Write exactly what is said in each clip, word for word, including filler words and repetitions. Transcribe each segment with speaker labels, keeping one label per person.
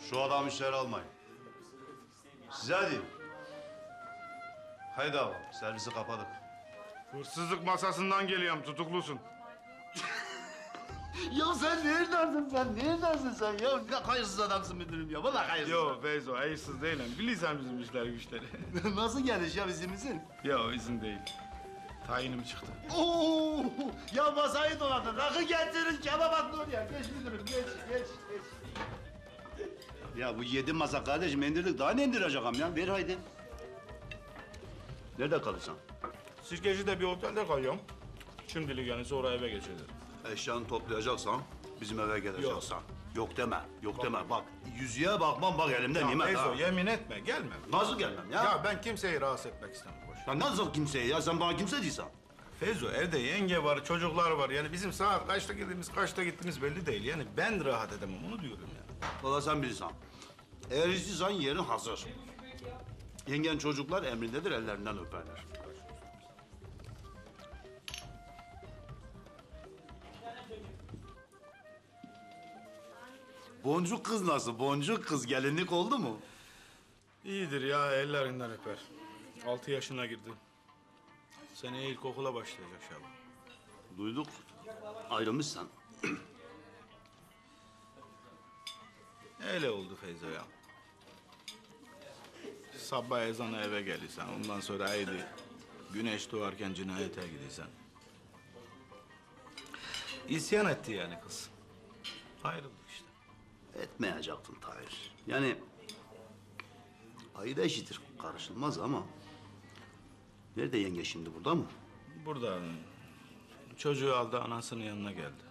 Speaker 1: Şu adamı içeri almayın. Size diyeyim. Haydi abi, servisi kapadık.
Speaker 2: Hırsızlık masasından geliyorum, tutuklusun.
Speaker 1: Ya sen neredesin sen? Neredesin sen ya? Ne hayırsız adamsın müdürüm ya. Vallahi hayırsız.
Speaker 2: Yo Feyzo, hayırsız değilim. Bilirsen bizim işler güçleri.
Speaker 1: Nasıl gelmiş ya izimizin?
Speaker 2: Yo izin değil. Tayinim çıktı.
Speaker 1: Oo! Ya masayı doladın. Rakı getirin, kebap atın oraya. Geç müdürüm, geç, geç, geç. Ya bu yedi masa kardeşim indirdik. Daha ne indireceğim ya? Ver haydi. Nerede kalırsan?
Speaker 2: Sirkeci'de bir otelde kalıyorum. Şimdilik yani sonra eve geçeceğim.
Speaker 1: Eşyanı toplayacaksan bizim eve geleceksin. Yok. Yok deme, yok deme. Bak yüzüğe bakmam bak elimde nimet
Speaker 2: Feyzo
Speaker 1: ha.
Speaker 2: yemin etme, gelme.
Speaker 1: Nasıl gelmem ya?
Speaker 2: Ya ben kimseyi rahatsız etmek istemem. Boş.
Speaker 1: Ya nasıl kimseye ya? Sen bana kimse değilsen.
Speaker 2: Feyzo evde yenge var, çocuklar var. Yani bizim saat kaçta girdiğimiz, kaçta gittiğimiz belli değil. Yani ben rahat edemem, onu diyorum ya.
Speaker 1: Valla sen bilirsen. Eğer istiyorsan yerin hazır. Yengen çocuklar emrindedir, ellerinden öperler. Boncuk kız nasıl? Boncuk kız gelinlik oldu mu?
Speaker 2: İyidir ya, ellerinden öper. Altı yaşına girdi. Seneye ilkokula başlayacak Şaban.
Speaker 1: Duyduk. Ayrılmışsan.
Speaker 2: Öyle oldu Feyzo ya. Sabah ezanı eve gelirsen, ondan sonra haydi güneş doğarken cinayete gidersen. İsyan etti yani kız. Ayrıldık işte.
Speaker 1: Etmeyecektin Tahir. Yani ayı da eşitir, karışılmaz ama. Nerede yenge şimdi, burada mı?
Speaker 2: Burada çocuğu aldı, anasının yanına geldi.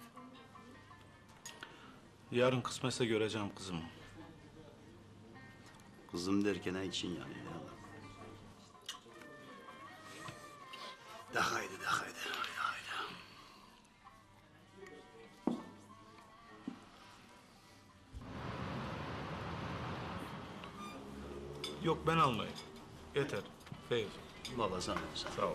Speaker 2: Yarın kısmetse göreceğim kızımı.
Speaker 1: Kızım derken ne için yani? Ya. De haydi, de haydi, haydi, haydi.
Speaker 2: Yok ben almayayım. Yeter. Feyzo.
Speaker 1: Baba sen sen.
Speaker 2: Sağ ol.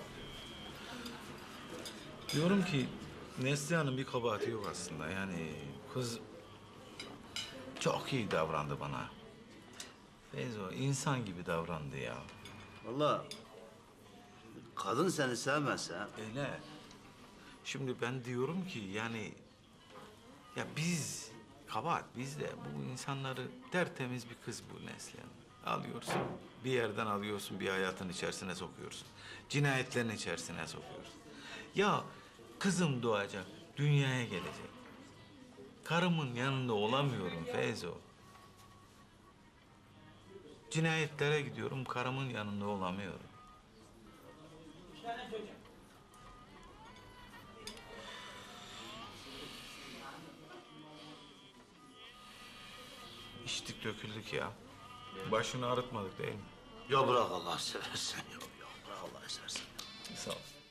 Speaker 2: Diyorum ki Neslihan'ın bir kabahati yok aslında. Yani kız çok iyi davrandı bana. Feyzo insan gibi davrandı ya.
Speaker 1: Vallahi kadın seni sevmezse
Speaker 2: Öyle. Şimdi ben diyorum ki yani ya biz kabahat bizde bu insanları tertemiz bir kız bu Neslihan. Alıyorsun bir yerden alıyorsun bir hayatın içerisine sokuyorsun. Cinayetlerin içerisine sokuyorsun. Ya kızım doğacak, dünyaya gelecek. Karımın yanında olamıyorum Feyzo. Cinayetlere gidiyorum, karımın yanında olamıyorum. İçtik döküldük ya. Başını ağrıtmadık değil mi?
Speaker 1: ya bırak Allah seversen ya, ya bırak Allah seversen.
Speaker 2: Sağ ol.